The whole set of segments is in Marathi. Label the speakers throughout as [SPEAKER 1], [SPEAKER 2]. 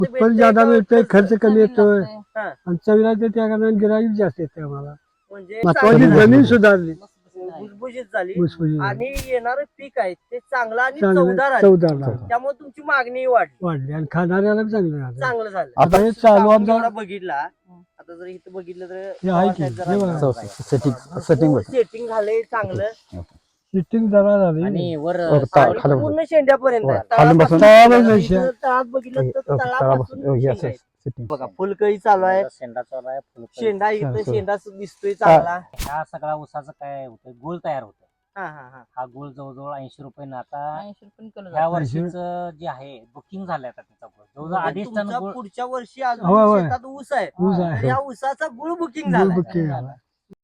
[SPEAKER 1] उत्पन्न ज्यादा मिळतंय, खर्च कमी येतोय
[SPEAKER 2] हा.
[SPEAKER 1] आणि चवीला ते त्या कारणाने गिराईक जास्त येते आम्हाला.
[SPEAKER 2] म्हणजे
[SPEAKER 1] महत्वाची
[SPEAKER 2] चांगलं
[SPEAKER 1] जमीन सुधारली,
[SPEAKER 2] भुसभुशीत झाली
[SPEAKER 1] भुसभुशीत झाली.
[SPEAKER 2] आणि येणारं पीक आहे ते चांगलं आणि
[SPEAKER 1] चांगलं
[SPEAKER 2] चवदार आहे.
[SPEAKER 1] चवदार लागलं.
[SPEAKER 2] त्यामुळे तुमची मागणी वाढली,
[SPEAKER 1] वाढली आणि खाणाऱ्याला बी चांगलं झालं.
[SPEAKER 2] चांगलं झालं.
[SPEAKER 1] आता हे चालू
[SPEAKER 2] आपण
[SPEAKER 1] आमचा
[SPEAKER 2] जेवढा बघितला, आता जर इथं बघितलं तर
[SPEAKER 1] हे आहे की, हे बघा.
[SPEAKER 2] सेटिंग झालंय चांगलं
[SPEAKER 1] सिटिंग जरा झाली
[SPEAKER 3] आणि वर
[SPEAKER 2] आणि पूर्ण शेंड्यापर्यंत आहे.
[SPEAKER 1] तळापासून
[SPEAKER 2] तळात बघितलं तर तळापासून शेंगा आहेत. बघा फुलकळी चालू आहे,
[SPEAKER 3] शेंडा चालू आहे, फुलकळी.
[SPEAKER 2] शेंडा इथं शेंडा दिसतोय चांगला.
[SPEAKER 3] ह्या सगळ्या ऊसाचं काय होतं, गुळ तयार होतं.
[SPEAKER 2] हा हा हा
[SPEAKER 3] हा गुळ जवळजवळ 80 रुपये ना. आता
[SPEAKER 4] 80 रुपये किलो
[SPEAKER 3] ह्या
[SPEAKER 4] जातो.
[SPEAKER 3] वर्षीच जे आहे बुकिंग झालंय आता त्याचा गुळ जवळजवळ
[SPEAKER 2] म्हणजे
[SPEAKER 3] 2.5 टन
[SPEAKER 2] तुमचा
[SPEAKER 3] गुळ.
[SPEAKER 2] पुढच्या वर्षी
[SPEAKER 1] होय,
[SPEAKER 2] अजून
[SPEAKER 1] होय.
[SPEAKER 2] शेतात ऊस आहे,
[SPEAKER 1] ऊस
[SPEAKER 2] तर
[SPEAKER 1] आहे.
[SPEAKER 2] या ऊसाचा गुळ बुकिंग
[SPEAKER 1] गुळ
[SPEAKER 2] झाला.
[SPEAKER 1] बुकिंग झाला.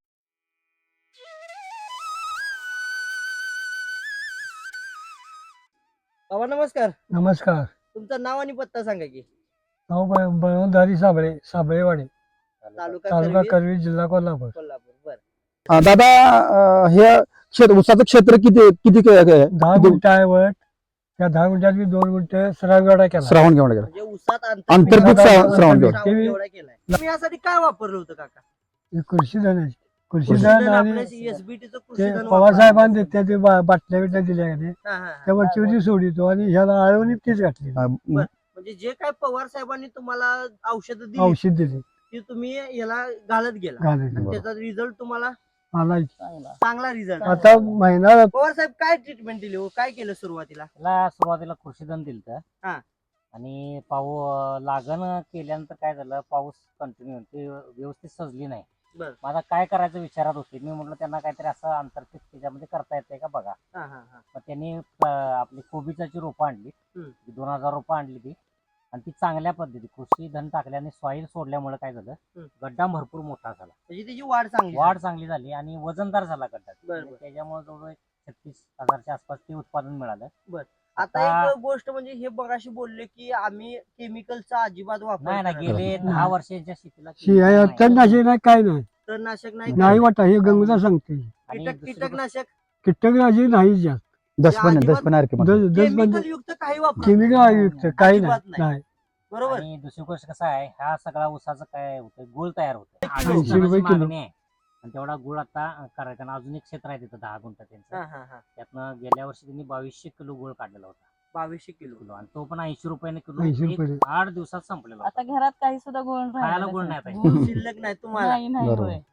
[SPEAKER 2] बाबा नमस्कार,
[SPEAKER 1] नमस्कार.
[SPEAKER 2] तुमचं नाव आणि पत्ता सांगा की.
[SPEAKER 1] नाव बळवंतधारी साबळे, साबळेवाडी,
[SPEAKER 2] तालुका
[SPEAKER 1] तालुका
[SPEAKER 2] करवीर,
[SPEAKER 1] करवी, जिल्हा कोल्हापूर.
[SPEAKER 2] कोल्हापूर. बर
[SPEAKER 5] दादा हे ऊसाचं क्षेत्र किती किती
[SPEAKER 1] 10 गुंठ आहे वर. त्या 10 गुंठ्यात मी 2 गुंठ श्रावण केला.
[SPEAKER 5] श्रावण घेऊन गेला
[SPEAKER 2] म्हणजे ऊसात
[SPEAKER 5] आंतरपीक श्रावण
[SPEAKER 2] श्रावण
[SPEAKER 5] घेऊन.
[SPEAKER 2] केवढा केलाय तुम्ही? यासाठी काय वापरलं होतं काका?
[SPEAKER 1] कृषी धन आहे. कृषी धन आणि
[SPEAKER 2] एसबीटीचं कृषी
[SPEAKER 1] ते
[SPEAKER 2] धन
[SPEAKER 1] पवारसाहेबांनी देत्या ते बाटल्या बिटल्या दिल्या का ते,
[SPEAKER 2] हा, हा, हा.
[SPEAKER 1] त्या वरची सोडितो आणि ह्याला आळवणी तीच घातली,
[SPEAKER 2] म्हणजे जे काय पवार साहेबांनी तुम्हाला औषध दिली
[SPEAKER 1] औषध दिली
[SPEAKER 2] ती तुम्ही याला घालत गेला
[SPEAKER 1] घालायची.
[SPEAKER 2] आणि त्याचा रिझल्ट तुम्हाला
[SPEAKER 1] मला
[SPEAKER 2] चांगला रिझल्ट.
[SPEAKER 1] आता महिना
[SPEAKER 2] पवार साहेब काय ट्रीटमेंट दिली हो? काय केलं सुरुवातीला?
[SPEAKER 3] त्याला सुरुवातीला कृषीधन दिलं
[SPEAKER 2] हा.
[SPEAKER 3] आणि लागण केल्यानंतर काय झालं, पाऊस कंटिन्यू व्यवस्थित सजली नाही.
[SPEAKER 2] बर.
[SPEAKER 3] माझा काय करायचं विचारात होते. मी म्हटलं त्यांना काहीतरी असं आंतरपीक त्याच्यामध्ये करता येते का बघा.
[SPEAKER 2] हा, हा, हा.
[SPEAKER 3] मग त्यांनी आपली कोबीची रोपं आणली, 2000 रोपं आणली ती. आणि ती चांगल्या पद्धती कृषी धन टाकल्याने सॉईल सोडल्यामुळे काय झालं, गड्डा भरपूर मोठा झाला,
[SPEAKER 2] म्हणजे त्याची वाढ
[SPEAKER 3] चांगली झाली आणि वजनदार झाला गड्डा.
[SPEAKER 2] बरं.
[SPEAKER 3] त्याच्यामुळे जवळजवळ 36,000च्या आसपास ते उत्पादन मिळालं.
[SPEAKER 2] आता एक गोष्ट म्हणजे हे बघाशी बोलले की आम्ही केमिकलचा अजिबात वापर
[SPEAKER 3] नाही ना,
[SPEAKER 2] करत
[SPEAKER 3] गेले
[SPEAKER 2] नाही.
[SPEAKER 3] 10 वर्षांच्या शेतीला
[SPEAKER 1] तणनाशक नाही, काय नाही,
[SPEAKER 2] तणनाशक
[SPEAKER 1] नाही
[SPEAKER 2] नाही,
[SPEAKER 1] वाटा. हे गंगूला सांगते,
[SPEAKER 3] आणि दुसरी
[SPEAKER 2] कीटकनाशक
[SPEAKER 1] कीटकनाशक नाही जास्त,
[SPEAKER 5] दशपण
[SPEAKER 2] केमिकल युक्त काही वापर
[SPEAKER 1] केमिकल युक्त काही
[SPEAKER 2] अजिबात
[SPEAKER 1] नाही. नाही
[SPEAKER 2] बरोबर.
[SPEAKER 3] आणि दुसरी गोष्ट कसं आहे, ह्या सगळ्या ऊसाचं काय होतं, गुळ तयार होतं.
[SPEAKER 1] 80 रुपये किलो.
[SPEAKER 3] मागणी आहे. आणि तेवढा गुळ आता करायचा. आणि अजून एक क्षेत्र आहे तिथं 10 गुंठ त्यांचं.
[SPEAKER 2] हा, हा, हा.
[SPEAKER 3] त्यातनं गेल्या वर्षी त्यांनी 2200 किलो गुळ काढलेला होता.
[SPEAKER 2] 2200 किलो.
[SPEAKER 3] आणि तो पण 80 रुपयाने किलो.
[SPEAKER 1] 80 रुपये.
[SPEAKER 3] 8 दिवसात संपलेला होता.
[SPEAKER 4] आता घरात काही सुद्धा गुळ
[SPEAKER 3] खायला गुळ नाही आता.
[SPEAKER 4] गुळ
[SPEAKER 2] शिल्लक नाही तुम्हाला.
[SPEAKER 4] नाही नाही
[SPEAKER 5] बरोबर.
[SPEAKER 4] होय.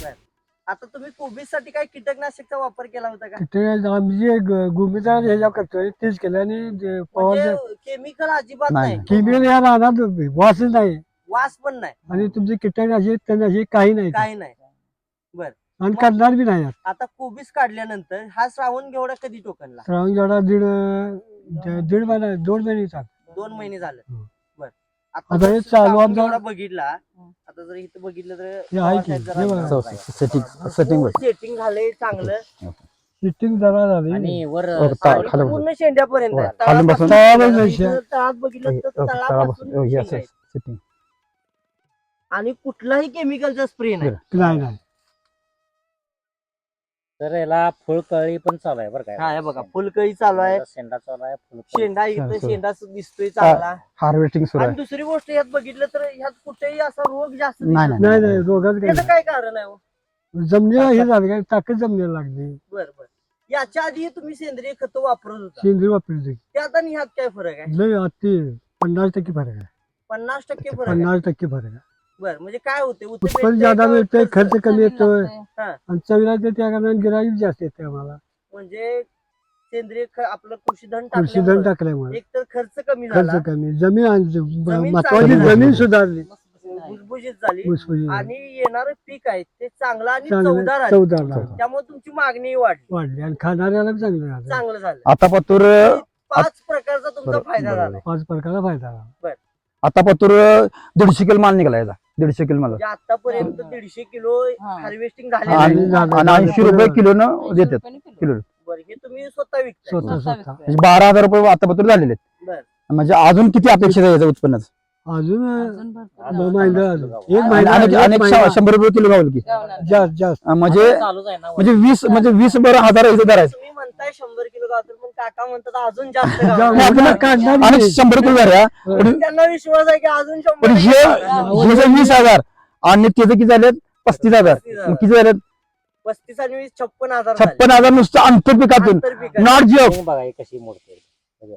[SPEAKER 2] आता तुम्ही कोबीसाठी काय कीटकनाशकचा वापर केला होता का?
[SPEAKER 1] कीटक आम्ही जे गुमिता ह्याच्या करतोय तेच केलं आणि
[SPEAKER 2] म्हणजे केमिकल अजिबात
[SPEAKER 5] नाही.
[SPEAKER 2] नाही,
[SPEAKER 1] केमिकल या राहणार वासच नाही
[SPEAKER 2] वास पण नाही,
[SPEAKER 1] आणि तुमचे कीटकनाशक तणनाशक काही नाही
[SPEAKER 2] काही नाही.
[SPEAKER 1] आणि करणार बी नाही.
[SPEAKER 2] आता कोबीज काढल्यानंतर हा श्रावण घेवडा कधी टोकनला?
[SPEAKER 1] श्रावण जेवढा दीड महिना 2 महिने चाल.
[SPEAKER 2] 2 महिने झालं.
[SPEAKER 1] हं.
[SPEAKER 2] बर.
[SPEAKER 1] आता
[SPEAKER 2] जर
[SPEAKER 1] हे चालू
[SPEAKER 2] श्रावण
[SPEAKER 1] आमचा-
[SPEAKER 2] घेवडा बघितला, आता जर इथं बघितलं तर
[SPEAKER 1] हे आहे की, हे बघा.
[SPEAKER 2] सेटिंग झालंय चांगलं
[SPEAKER 1] सिटिंग जरा झाली.
[SPEAKER 3] आणि वर
[SPEAKER 2] आणि पूर्ण शेंड्यापर्यंत आहे.
[SPEAKER 5] खालून
[SPEAKER 2] तळापासून
[SPEAKER 1] शेंड.
[SPEAKER 2] इथं तळात बघितलं तर तळापासून शेंगा आहेत. आणि कुठलाही केमिकलचा स्प्रे नाही.
[SPEAKER 1] नाही
[SPEAKER 3] तर याला फुलकळी पण चालू आहे बरं
[SPEAKER 2] हा
[SPEAKER 3] काय.
[SPEAKER 2] हे बघा फुलकळी चालू आहे,
[SPEAKER 3] शेंडा चालू आहे, फुलकळी.
[SPEAKER 2] शेंडा इथं
[SPEAKER 5] शेंडा.
[SPEAKER 2] शेंडा दिसतोय चांगला.
[SPEAKER 5] हार्वेस्टिंग सुरू
[SPEAKER 2] आणि
[SPEAKER 5] आहे.
[SPEAKER 2] दुसरी गोष्ट यात बघितलं तर ह्यात कुठेही असा रोग जास्त
[SPEAKER 5] नाही,
[SPEAKER 2] दिसत
[SPEAKER 1] नाही नाही रोगाचं
[SPEAKER 2] त्याचं
[SPEAKER 1] काही
[SPEAKER 2] काय कारण आहे हो?
[SPEAKER 1] नाही. जमिनीला हे झालं काय, ताकद जमिनीला लागली.
[SPEAKER 2] बर बर. याच्या आधी तुम्ही सेंद्रिय खत वापरत होता,
[SPEAKER 1] सेंद्रिय वापरली
[SPEAKER 2] त्यात आणि ह्यात काय फरक आहे?
[SPEAKER 1] लय अति 50% फरक आहे.
[SPEAKER 2] 50% फरक आहे.
[SPEAKER 1] 50% फरक आहे.
[SPEAKER 2] बर. म्हणजे काय होते?
[SPEAKER 1] उत्पन्न ज्यादा मिळतंय, खर्च कमी येतोय
[SPEAKER 4] लागतंय.
[SPEAKER 1] आणि चवीला ते त्या कारणाने गिराईक जास्त येते आम्हाला.
[SPEAKER 2] म्हणजे सेंद्रिय आपलं कृषी धन
[SPEAKER 1] कृषी धन टाकल्यामुळे
[SPEAKER 2] एक तर खर्च कमी झाला,
[SPEAKER 1] खर्च कमी, जमीन
[SPEAKER 2] जमीन
[SPEAKER 1] महत्वाची
[SPEAKER 2] चांगली
[SPEAKER 1] जमीन सुधारली,
[SPEAKER 2] भुसभुशीत झाली
[SPEAKER 1] भुसभुशीत झाली.
[SPEAKER 2] आणि येणारं पीक आहे ते चांगलं आणि
[SPEAKER 1] चांगलं
[SPEAKER 2] चवदार आहे.
[SPEAKER 1] चवदार लागलं.
[SPEAKER 2] त्यामुळे तुमची मागणी वाढली,
[SPEAKER 1] वाढली आणि खाणाऱ्याला बी चांगलं झालं.
[SPEAKER 2] चांगलं झालं.
[SPEAKER 5] आता पतूर
[SPEAKER 2] 5 प्रकारचा तुमचा
[SPEAKER 5] बरोबर,
[SPEAKER 2] फायदा
[SPEAKER 5] बरोबर.
[SPEAKER 2] झाला.
[SPEAKER 1] 5 प्रकारचा फायदा झाला.
[SPEAKER 5] आता पतूर 150 किलो माल निघाला याचा. 150 किलो माल
[SPEAKER 2] म्हणजे आतापर्यंत 150 किलो
[SPEAKER 4] हा.
[SPEAKER 2] हार्वेस्टिंग
[SPEAKER 5] आणि
[SPEAKER 2] झाले.
[SPEAKER 1] झालं.
[SPEAKER 5] आणि 80 रुपये किलो न
[SPEAKER 4] 80
[SPEAKER 5] देतात
[SPEAKER 4] रुपयाने किलो.
[SPEAKER 5] किलो.
[SPEAKER 2] बरं, हे तुम्ही स्वतः विकताय.
[SPEAKER 1] स्वतः स्वतः
[SPEAKER 5] म्हणजे 12,000 रुपये आता पतूर झालेले आहेत.
[SPEAKER 2] बर.
[SPEAKER 5] म्हणजे अजून किती अपेक्षित आहे याचं उत्पन्नाचं?
[SPEAKER 1] अजून
[SPEAKER 4] अजून भरपूर
[SPEAKER 1] 2
[SPEAKER 4] लावतात.
[SPEAKER 1] महिने झाले. एक
[SPEAKER 5] आणि
[SPEAKER 1] महिना
[SPEAKER 5] आणि
[SPEAKER 1] एक
[SPEAKER 5] एक
[SPEAKER 1] महिना.
[SPEAKER 5] 100 रुपये किलो गावल की
[SPEAKER 4] गावणार.
[SPEAKER 1] जास्त जास्त
[SPEAKER 5] म्हणजे
[SPEAKER 3] चालूच आहे ना.
[SPEAKER 5] म्हणजे 20 हजार याचं दर आहे.
[SPEAKER 2] तुम्ही म्हणताय म्हणताय 100 किलो गावतात पण काका म्हणतात अजून जास्त
[SPEAKER 1] जा-
[SPEAKER 2] गावतात.
[SPEAKER 1] आपल्याला काढणार
[SPEAKER 5] आणि
[SPEAKER 1] नाही.
[SPEAKER 5] 100 किलो झाल्या पण
[SPEAKER 2] त्यांना विश्वास आहे की अजून
[SPEAKER 5] पण
[SPEAKER 2] 100
[SPEAKER 5] हे जे 20,000 आणि त्याचं किती झाले 35,000 मग किती झाले
[SPEAKER 2] 35 आणि 20 56,000
[SPEAKER 5] 56,000 नुसतं आंतरपिकातून
[SPEAKER 2] आंतरपिकात.
[SPEAKER 5] Not job.
[SPEAKER 3] हे बघा हे कशी मोडते बघा.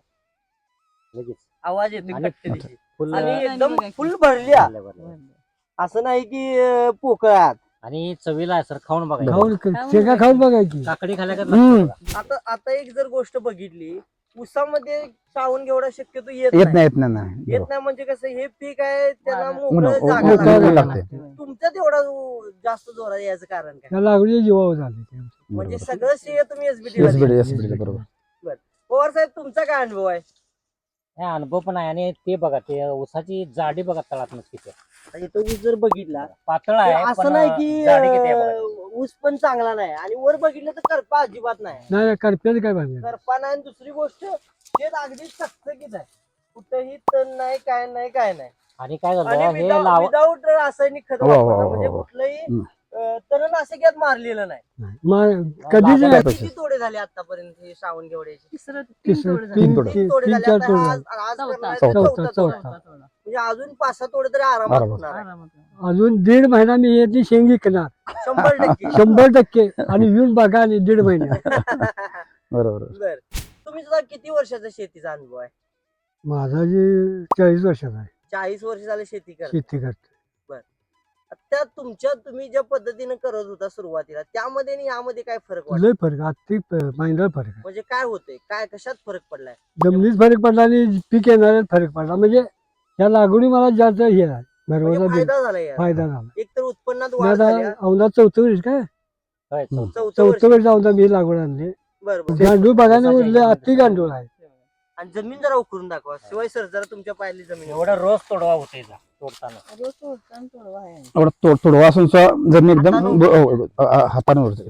[SPEAKER 3] लगेच
[SPEAKER 2] आवाज येतो
[SPEAKER 3] आणि-
[SPEAKER 2] कट्टेरीची.
[SPEAKER 3] फुल
[SPEAKER 2] आणि
[SPEAKER 4] आणि
[SPEAKER 2] एकदम
[SPEAKER 4] बघा की-
[SPEAKER 2] फुल भरल्या
[SPEAKER 3] भरल्या, भरल्या.
[SPEAKER 2] असं नाही की पोकळात.
[SPEAKER 3] आणि चवीला आहे सर खाऊन बघा
[SPEAKER 1] खाऊन शेंगा खाऊन बघायची.
[SPEAKER 3] काकडी खाल्या का
[SPEAKER 5] हम्म.
[SPEAKER 2] आता एक जर गोष्ट बघितली उसामध्ये श्रावण घेवडा शक्यतो येत
[SPEAKER 5] येत
[SPEAKER 2] नाही.
[SPEAKER 5] नाही येत नाही, नाही
[SPEAKER 2] येत
[SPEAKER 5] बरोबर.
[SPEAKER 2] नाही म्हणजे कसं हे पीक आहे त्याला
[SPEAKER 4] ऊन-
[SPEAKER 2] मोकळं
[SPEAKER 5] ऊन-
[SPEAKER 2] जागा
[SPEAKER 5] ऊन-
[SPEAKER 2] लागते.
[SPEAKER 5] ऊन लागते.
[SPEAKER 2] तुमच्यात एवढा जास्त जोरात याचं कारण काय
[SPEAKER 1] त्या लागली जीवावर झाले ते.
[SPEAKER 2] म्हणजे
[SPEAKER 5] बरोबर.
[SPEAKER 2] सगळं श्रेय तुम्ही
[SPEAKER 5] SBD
[SPEAKER 2] एसबीटी
[SPEAKER 5] SBD बरोबर.
[SPEAKER 2] पवार साहेब तुमचा काय अनुभव आहे
[SPEAKER 3] हे अनुभव पण आहे आणि ते बघा ते ऊसाची जाडी बघा तळातून किती आहे.
[SPEAKER 2] आता इथं ऊस जर बघितला
[SPEAKER 3] पातळ
[SPEAKER 2] तर
[SPEAKER 3] आहे
[SPEAKER 2] असं
[SPEAKER 3] पण
[SPEAKER 2] नाही की
[SPEAKER 3] जाडी किती आहे बघा.
[SPEAKER 2] ऊस पण चांगला नाही आणि वर बघितलं तर करपा अजिबात नाही
[SPEAKER 1] नाही करप्याचं काय पाहिजे.
[SPEAKER 2] करपा नाही आणि दुसरी गोष्ट शेत अगदी चकचकीत आहे कुठेही तण नाही काय नाही काय नाही
[SPEAKER 3] आणि काय झालं
[SPEAKER 2] आणि
[SPEAKER 3] हे लाव
[SPEAKER 2] विदाऊट रासायनिक खत
[SPEAKER 5] हो, हो,
[SPEAKER 2] वापरता
[SPEAKER 5] हो,
[SPEAKER 2] म्हणजे
[SPEAKER 5] हो.
[SPEAKER 2] कुठलंही
[SPEAKER 5] हम्म.
[SPEAKER 2] तणनाशक यात मारलेलं नाही
[SPEAKER 1] कधीच
[SPEAKER 3] लागलं
[SPEAKER 1] नाही.
[SPEAKER 2] किती तोडे झाले आतापर्यंत हे श्रावण घेवड्याचे
[SPEAKER 4] तिसरं
[SPEAKER 1] तिसरं-
[SPEAKER 4] तोडे
[SPEAKER 1] तीन-
[SPEAKER 4] झाले.
[SPEAKER 2] तीन तोडे
[SPEAKER 1] तीन
[SPEAKER 2] झाले
[SPEAKER 1] चार
[SPEAKER 2] आता
[SPEAKER 1] तोडे
[SPEAKER 2] आज
[SPEAKER 1] झाले.
[SPEAKER 2] आज
[SPEAKER 4] चौथा.
[SPEAKER 2] करणार आहे
[SPEAKER 1] चौथा,
[SPEAKER 2] चौथा
[SPEAKER 1] चौथा.
[SPEAKER 2] तोडा. म्हणजे अजून 5-6 तोडे तरी आरामात
[SPEAKER 5] बरोबर.
[SPEAKER 2] होणार आहे.
[SPEAKER 4] आरामात.
[SPEAKER 1] अजून 1.5 महिना मी याची शेंग विकणार
[SPEAKER 2] 100%
[SPEAKER 1] 100% आणि येऊन बघा आणि 1.5 महिन्यात
[SPEAKER 5] बरोबर.
[SPEAKER 2] बर तुम्ही सुद्धा किती वर्षाचा शेतीचा अनुभव आहे
[SPEAKER 1] माझा जे 40 वर्षाचा आहे
[SPEAKER 2] 40 वर्ष झाले शेती करता
[SPEAKER 1] शेती करतो.
[SPEAKER 2] त्या तुम्ही ज्या पद्धतीने करत होता सुरुवातीला त्यामध्ये आणि यामध्ये काय फरक वाटतो
[SPEAKER 1] लय फरक आर्थिक महिन्याला फरक आहे.
[SPEAKER 2] म्हणजे काय होतंय काय कशात फरक पडलाय
[SPEAKER 1] जमिनीत फरक पडला आणि पीक येण्यात फरक पडला म्हणजे या लागवडी मला जास्त हे आहे
[SPEAKER 2] म्हणजे
[SPEAKER 1] भरवसा दिला
[SPEAKER 2] फायदा झाला यार
[SPEAKER 1] फायदा झाला
[SPEAKER 2] एक तर उत्पन्नात
[SPEAKER 1] मी
[SPEAKER 2] वाढ
[SPEAKER 1] आता
[SPEAKER 2] झाली
[SPEAKER 1] औंधा 4थं वर्ष काय
[SPEAKER 3] होय, चौथा.
[SPEAKER 2] चौथं वर्ष
[SPEAKER 1] 4थं वर्ष औंधा मी लागवड आणली
[SPEAKER 2] बरोबर
[SPEAKER 1] गांडूळ बघायला
[SPEAKER 3] ऊसाच्या
[SPEAKER 1] उरले
[SPEAKER 3] ह्याच्यामध्ये
[SPEAKER 1] अति गांडूळ आहे
[SPEAKER 2] आणि जमीन जरा उकरून दाखवा शिवाय सर जरा तुमच्या पाहिली जमीन
[SPEAKER 3] एवढा रोज तोडवा होते तोडताना
[SPEAKER 4] रोज तोडताना तोडवा आहे.
[SPEAKER 5] एवढं थोडं वासून जमीन एकदम हाताने वरती.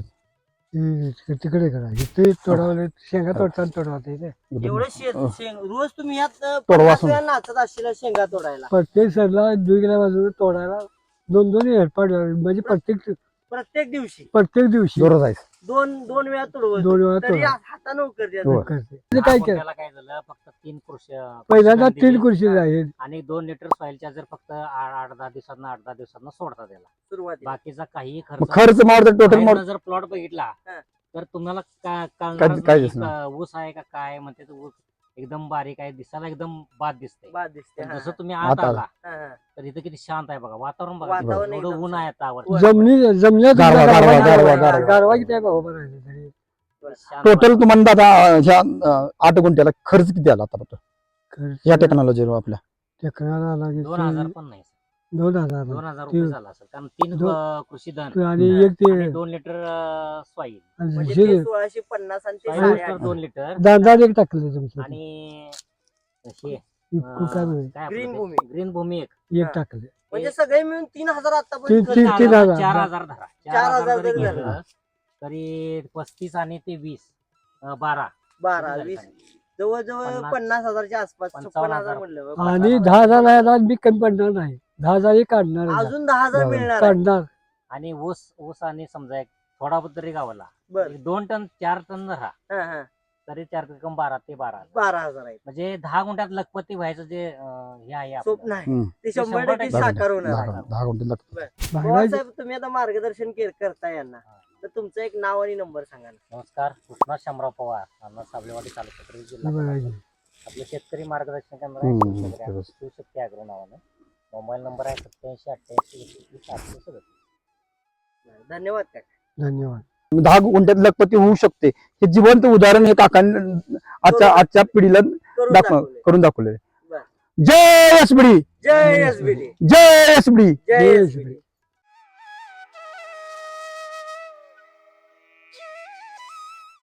[SPEAKER 1] तिकडे करा इथे तोडावले शेंगा तोडताना तोडवते ते
[SPEAKER 2] एवढं रोज तुम्ही यात
[SPEAKER 5] तोडवा
[SPEAKER 2] 50 वेळा नाचत असशील शेंगा तोडायला
[SPEAKER 1] प्रत्येक सरला 2 गेल्या बाजूला तोडायला 2 हेरपाट म्हणजे
[SPEAKER 2] प्रत्येक दिवशी
[SPEAKER 1] प्रत्येक दिवशी
[SPEAKER 5] जोरात आहे.
[SPEAKER 2] दोन वेळा तोडवत
[SPEAKER 1] 2 वेळा
[SPEAKER 2] तरी
[SPEAKER 1] तोडा
[SPEAKER 2] हाताने उकरते
[SPEAKER 5] हो.
[SPEAKER 1] करते ते काय केलं
[SPEAKER 3] त्याला काय झालं फक्त 3 कृषी
[SPEAKER 1] पहिल्यांदा
[SPEAKER 3] कृषी
[SPEAKER 1] 3
[SPEAKER 3] दिली.
[SPEAKER 1] खुर्ची आहेत
[SPEAKER 3] आणि 2 लिटर सॉइलच्या जर फक्त 8-10 दिवसांना सोडता त्याला
[SPEAKER 2] सुरुवातीला
[SPEAKER 3] बाकीचा काही
[SPEAKER 5] मग
[SPEAKER 3] खर्च
[SPEAKER 5] खर्च मारतो टोटल मार
[SPEAKER 3] बाहेरनं जर प्लॉट बघितला
[SPEAKER 2] हा.
[SPEAKER 3] तर तुम्हाला
[SPEAKER 5] काय दिसणार?
[SPEAKER 3] ऊस आहे का काय म्हणते तो ऊस एकदम बारीक आहे दिसायला एकदम बाद दिसते
[SPEAKER 2] बाद दिसते
[SPEAKER 3] पण
[SPEAKER 2] हा,
[SPEAKER 3] जसं तुम्ही
[SPEAKER 5] आत
[SPEAKER 3] आत
[SPEAKER 5] आला.
[SPEAKER 3] आला
[SPEAKER 2] हा, हा.
[SPEAKER 3] तर इथं किती शांत आहे बघा वातावरण बघा
[SPEAKER 2] वातावरण
[SPEAKER 3] एवढं
[SPEAKER 2] एकदम
[SPEAKER 3] ऊन आहे आता वर.
[SPEAKER 1] जमण्यात
[SPEAKER 5] गारवा, गारवा, गारवा, गारवा.
[SPEAKER 1] गारवा किती आहे बाबा बरं आहे तरी.
[SPEAKER 3] शांत
[SPEAKER 5] टोटल तुम्हाला आता ह्या 8 गुंठ्याला खर्च किती आला आता
[SPEAKER 1] खर्च
[SPEAKER 5] या टेक्नॉलॉजीवर आपल्या
[SPEAKER 1] टेकनाला आला की
[SPEAKER 3] 2000 पण नाही
[SPEAKER 1] 2000
[SPEAKER 3] 2000 रुपये झाला असेल कारण 3 कृषी धन
[SPEAKER 1] आणि एक ते
[SPEAKER 3] 2 लिटर सॉईल
[SPEAKER 2] म्हणजे
[SPEAKER 1] जे
[SPEAKER 2] ते 1650 आणि ते
[SPEAKER 3] सॉईल
[SPEAKER 2] 850.
[SPEAKER 3] 2 लिटर
[SPEAKER 1] दांदा एक टाकलं तुमचं
[SPEAKER 3] आणि हे
[SPEAKER 1] काय म्हणे
[SPEAKER 3] काय
[SPEAKER 2] ग्रीन
[SPEAKER 3] आपलं
[SPEAKER 2] भूमी.
[SPEAKER 3] ते? ग्रीन भूमी एक
[SPEAKER 1] एक
[SPEAKER 2] हा.
[SPEAKER 1] टाकले
[SPEAKER 2] म्हणजे सगळे मिळून 3000 आतापर्यंत
[SPEAKER 1] तीन-
[SPEAKER 2] खर्च
[SPEAKER 1] तीन-
[SPEAKER 2] झाला.
[SPEAKER 1] 3000.
[SPEAKER 3] 4000 धरा
[SPEAKER 2] 4000
[SPEAKER 3] जरी
[SPEAKER 2] जरी
[SPEAKER 3] घेतलं
[SPEAKER 2] झालं.
[SPEAKER 3] तरी 35 आणि ते 20 12
[SPEAKER 2] 12
[SPEAKER 3] किती
[SPEAKER 2] 20
[SPEAKER 3] झाले?
[SPEAKER 2] जवळजवळ 50,000च्या आसपास
[SPEAKER 3] 55,000.
[SPEAKER 2] 56,000 म्हणलं
[SPEAKER 1] आणि 10,000 आहे मी कमी पडणार नाही 10,000 हे काढणार आहे.
[SPEAKER 2] अजून 10,000
[SPEAKER 5] बरोबर.
[SPEAKER 2] मिळणार आहे.
[SPEAKER 1] काढणार
[SPEAKER 3] आणि ऊस आणि समजा एक थोडा तरी गावाला
[SPEAKER 2] बर
[SPEAKER 3] 2 टन 4 टन धरा
[SPEAKER 2] हा, हा.
[SPEAKER 3] तरी 4 रक्कम 12 ते 12
[SPEAKER 2] 12,000 आहे
[SPEAKER 3] म्हणजे 10 गुंठ्यात लखपती व्हायचं जे हे आहे आपलं.
[SPEAKER 2] स्वप्न आहे
[SPEAKER 5] हम्म.
[SPEAKER 2] ते
[SPEAKER 3] ते
[SPEAKER 2] 100%
[SPEAKER 3] 100%
[SPEAKER 2] साकार होणार आहे
[SPEAKER 5] 10 गुंठे लागतात.
[SPEAKER 2] पवार
[SPEAKER 1] भांडायचं
[SPEAKER 2] साहेब तुम्ही आता मार्गदर्शन करता यांना तर तुमचं एक नाव आणि नंबर सांगा ना.
[SPEAKER 3] नमस्कार कृष्णा शामराव पवार अण्णा साबलेवाडी तालुका जिल्हा
[SPEAKER 1] बघायचं.
[SPEAKER 3] कोल्हापूर. आपलं शेतकरी मार्गदर्शन केंद्र
[SPEAKER 5] हम्म,
[SPEAKER 3] आहे शेतकरी
[SPEAKER 5] बरोबर.
[SPEAKER 3] शिवशक्ती अॅग्रो नावानं मोबाईल नंबर आहे 8788
[SPEAKER 2] धन्यवाद काय
[SPEAKER 1] धन्यवाद
[SPEAKER 5] 10 गुंठ्यात लखपती होऊ शकते हे जिवंत उदाहरण हे काकांनी आजच्या पिढीला
[SPEAKER 2] करून दाखवलंय.
[SPEAKER 5] करून दाखवले.
[SPEAKER 2] बर.
[SPEAKER 5] जय एसबीडी
[SPEAKER 2] जय एसबीडी
[SPEAKER 5] जय एसबीडी
[SPEAKER 2] जय
[SPEAKER 1] जय
[SPEAKER 2] एसबीडी